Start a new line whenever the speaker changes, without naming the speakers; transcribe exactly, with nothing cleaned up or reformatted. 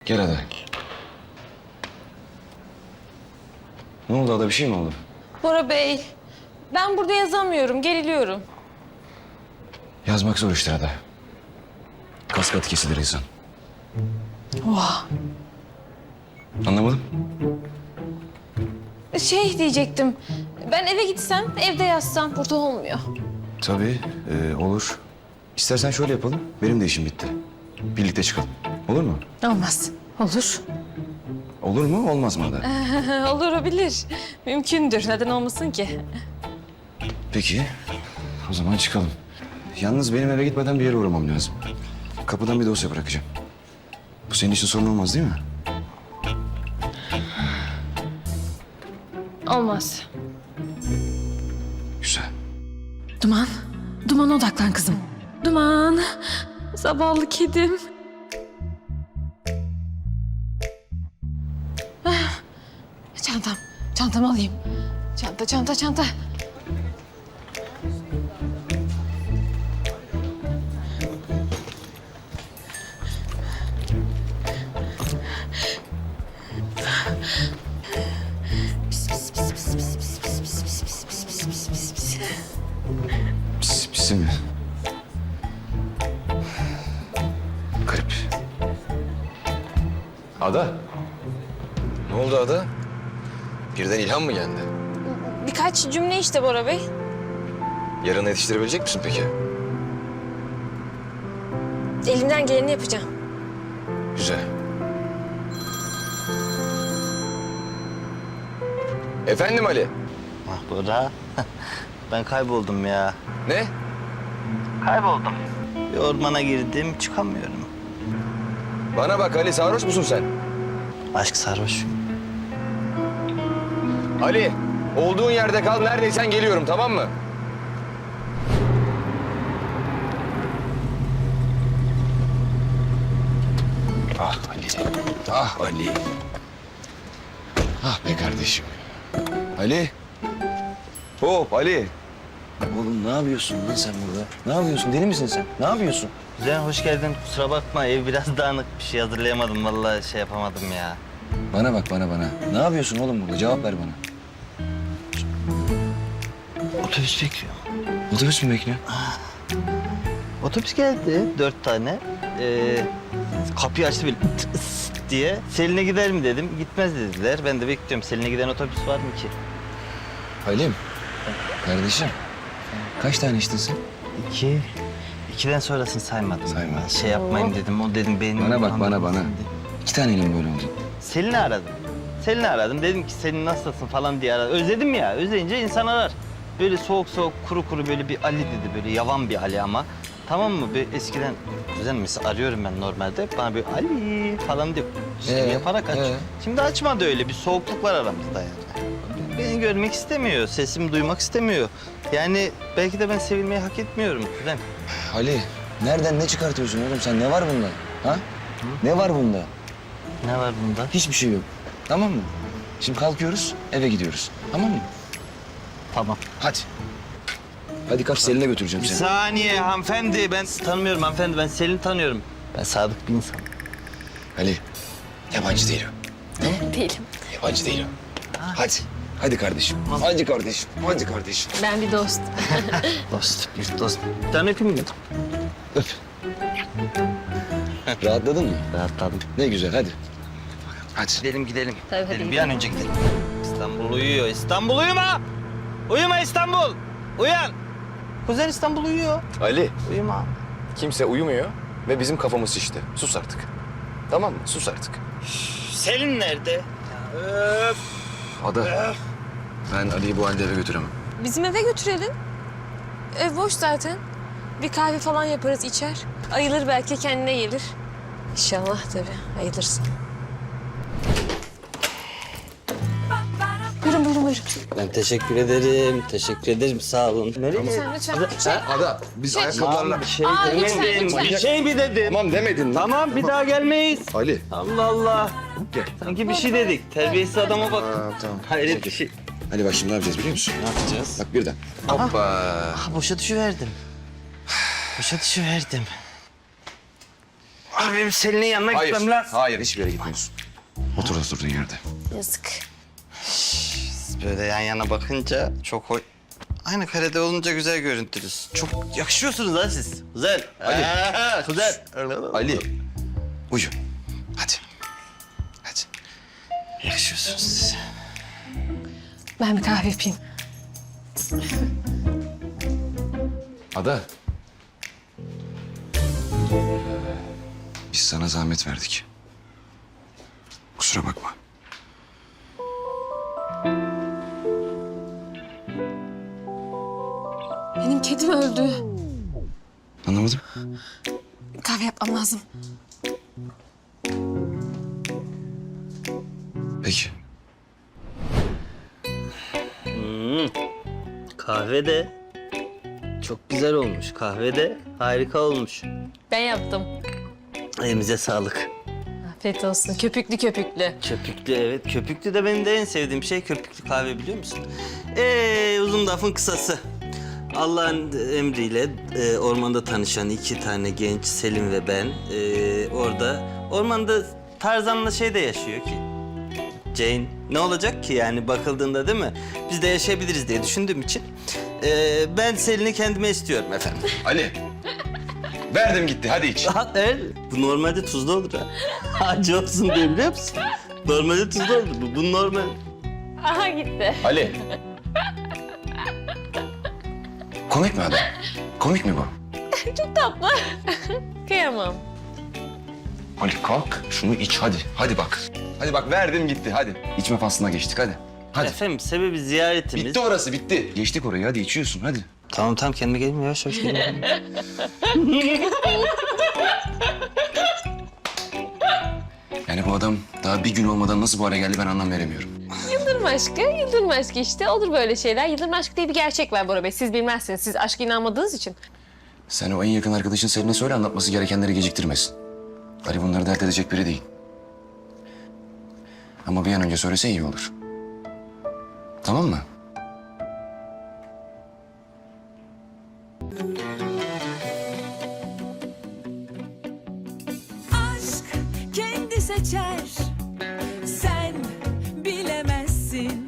Gel Ada. Ne oldu Ada? Bir şey mi oldu?
Bora Bey, ben burada yazamıyorum, geriliyorum.
Yazmak zor iştir Ada. Kas katı kesilir insan.
Oha.
Anlamadım.
Şey diyecektim, ben eve gitsem, evde yazsam burada olmuyor.
Tabii e, olur. İstersen şöyle yapalım. Benim de işim bitti. Birlikte çıkalım. Olur mu?
Olmaz. Olur.
Olur mu? Olmaz mı Ada?
Olur, olabilir. Mümkündür. Neden olmasın ki?
Peki. O zaman çıkalım. Yalnız benim eve gitmeden bir yere uğramam lazım. Kapıdan bir dosya bırakacağım. Bu senin için sorun olmaz değil mi?
Olmaz.
Güzel.
Duman, Duman'a odaklan kızım. Duman, zavallı kedim. Ah, çantam, çantamı alayım. Çanta, çanta, çanta.
Pis, pisi mi? Garip. Ada. Ne oldu Ada? Birden ilham mı geldi?
Birkaç cümle işte Bora Bey.
Yarın yetiştirebilecek misin peki?
Elimden geleni yapacağım.
Güzel. Efendim Ali?
Ah Bora, ben kayboldum ya.
Ne?
Kayboldum. Bir ormana girdim, çıkamıyorum.
Bana bak Ali, sarhoş musun sen?
Aşk sarhoş.
Ali, olduğun yerde kal, neredeysen geliyorum, tamam mı? Ah Ali, ah Ali. Ah be kardeşim. Ali. Hop Ali. Oğlum ne yapıyorsun lan sen burada? Ne yapıyorsun? Deli misin sen? Ne yapıyorsun?
Güzel, hoş geldin. Kusura bakma, ev biraz dağınık. Bir şey hazırlayamadım, vallahi şey yapamadım ya.
Bana bak bana bana. Ne yapıyorsun oğlum burada? Cevap ver bana.
Otobüs bekliyor.
Otobüs mü bekliyor?
Otobüs geldi, dört tane. Ee, kapıyı açtı böyle tıs diye. Selin'e gider mi dedim, gitmez dediler. Ben de bekliyorum. Selin'e giden otobüs var mı ki?
Halim. Kardeşim. Kaç tane içtin sen?
İki. İkiden sonrasını saymadım.
Saymadın.
Ben şey yapmayayım dedim, o dedim benim...
Bana bak bana bana. İki taneyle mi böyle oldu?
Selin'i aradım. Selin'i aradım. Dedim ki Selin nasılsın falan diye aradım. Özledim ya. Özleyince insan arar. Böyle soğuk soğuk kuru kuru böyle bir Ali dedi. Böyle yavan bir Ali ama. Tamam mı? Bir eskiden güzel mesela arıyorum ben normalde. Bana böyle Ali falan diyor. Şey
Ee,
yaparak aç.
ee?
Şimdi açmadı öyle. Bir soğukluk var aramızda yani. Beni görmek istemiyor. Sesimi duymak istemiyor. Yani belki de ben sevilmeyi hak etmiyorum. Kuzen.
Ali, nereden ne çıkartıyorsun oğlum sen? Ne var bunda? Ha? Ne var bunda?
Ne var bunda?
Hiçbir şey yok. Tamam mı? Şimdi kalkıyoruz, eve gidiyoruz. Tamam mı?
Tamam.
Hadi. Hadi kaç Selin'e götüreceğim
Bir
seni.
saniye hanımefendi. Ben sizi tanımıyorum hanımefendi. Ben Selin'i tanıyorum. Ben sadık bir insanım.
Ali, yabancı değil o.
Değilim.
Yabancı değil o. Hadi. Hadi kardeşim. Hadi kardeşim. Hadi kardeşim.
Ben bir dost.
Dost, bir dost. Bir tane öpeyim mi?
Öp. Rahatladın mı?
Rahatladım.
Ne güzel hadi. Hadi.
Gidelim gidelim.
Tabii, hadi
gidelim. Bir an önce gidelim. İstanbul uyuyor. İstanbul uyuma! Uyuma İstanbul! Uyan! Kuzen İstanbul uyuyor.
Ali,
Uyuma.
kimse uyumuyor ve bizim kafamız şişti. Sus artık. Tamam mı? Sus artık.
Selin nerede? Öf.
Ada, ben Ali'yi bu halde eve götüremem.
Bizim eve götürelim. Ev boş zaten. Bir kahve falan yaparız, içer. Ayılır belki, kendine gelir. İnşallah tabii, ayılırsın. Buyurun, buyurun, buyurun.
Ben teşekkür ederim. Teşekkür ederim. Sağ olun. Nereye?
Lütfen, lütfen. Şey,
Ada, biz
Şey-
ayakkabılarla...
Bir şey
Aa,
demedim.
lütfen, lütfen.
Bir şey mi dedim?
Tamam demedin. lan.
Tamam bir daha gelmeyiz.
Ali.
Allah Allah.
Gel.
Sanki bir şey dedik. Terbiyesiz adama bak.
Aa, tamam.
Hayret bir şey.
Ali bak şimdi ne yapacağız biliyor musun?
Ne yapacağız?
Bak birden. Hoppa.
Ah boşa düşüverdim. Boşa düşüverdim. Abi benim Selin'in yanına
Hayır,
gitmem lazım.
hayır hiçbir yere gitmiyorsun. Otur oturduğun yerde.
Yazık.
Böyle yan yana bakınca çok hoş. Aynı karede olunca güzel görüntülüsünüz. Çok yakışıyorsunuz ha siz. Güzel.
Ali.
Aa, güzel.
Ali, uyu. Hadi. Hadi.
Yakışıyorsunuz siz.
Ben bir kahve yapayım.
Ada. Biz sana zahmet verdik. Kusura bakma.
Benim kedim öldü.
Anlamadım.
Kahve yapmam lazım.
Peki.
Kahve de çok güzel olmuş. Kahve de harika olmuş.
Ben yaptım.
Elimize sağlık.
Afiyet olsun. Köpüklü köpüklü.
Köpüklü evet. Köpüklü de benim de en sevdiğim şey köpüklü kahve biliyor musun? Ee, uzun lafın kısası. Allah'ın emriyle e, ormanda tanışan iki tane genç Selim ve ben e, orada ormanda Tarzan'la şey de yaşıyor ki. Jane ne olacak ki yani bakıldığında değil mi? Biz de yaşayabiliriz diye düşündüğüm için e, ben Selin'i kendime istiyorum efendim.
Ali. Verdim gitti. Hadi iç.
Ha, evet. Bu normalde tuzlu olur ha. Acı olsun diye biliyor musun? Normalde tuzlu olur bu. Bu normal.
Aha gitti.
Ali. Komik mi adam? Komik mi bu?
Çok tatlı. Kıyamam.
Ali kalk. Şunu iç hadi. Hadi bak. Hadi bak verdim gitti hadi. İçme faslına geçtik hadi. Hadi.
Efendim sebebi ziyaretimiz.
Bitti orası bitti. Geçtik orayı hadi içiyorsun hadi.
Tamam tamam kendime geleyim yavaş yavaş geleyim.
Yani bu adam daha bir gün olmadan nasıl bu hale geldi ben anlam veremiyorum.
Yıldırım aşkı, yıldırım aşkı işte. Olur böyle şeyler. Yıldırım aşkı diye bir gerçek var Bora Bey. Siz bilmezsiniz. Siz aşka inanmadığınız için.
Sen o en yakın arkadaşın Selin'e söyle anlatması gerekenleri geciktirmesin. Ali bunları dert edecek biri değil. Ama bir an önce söylese iyi olur. Tamam mı?
aşk kendi seçer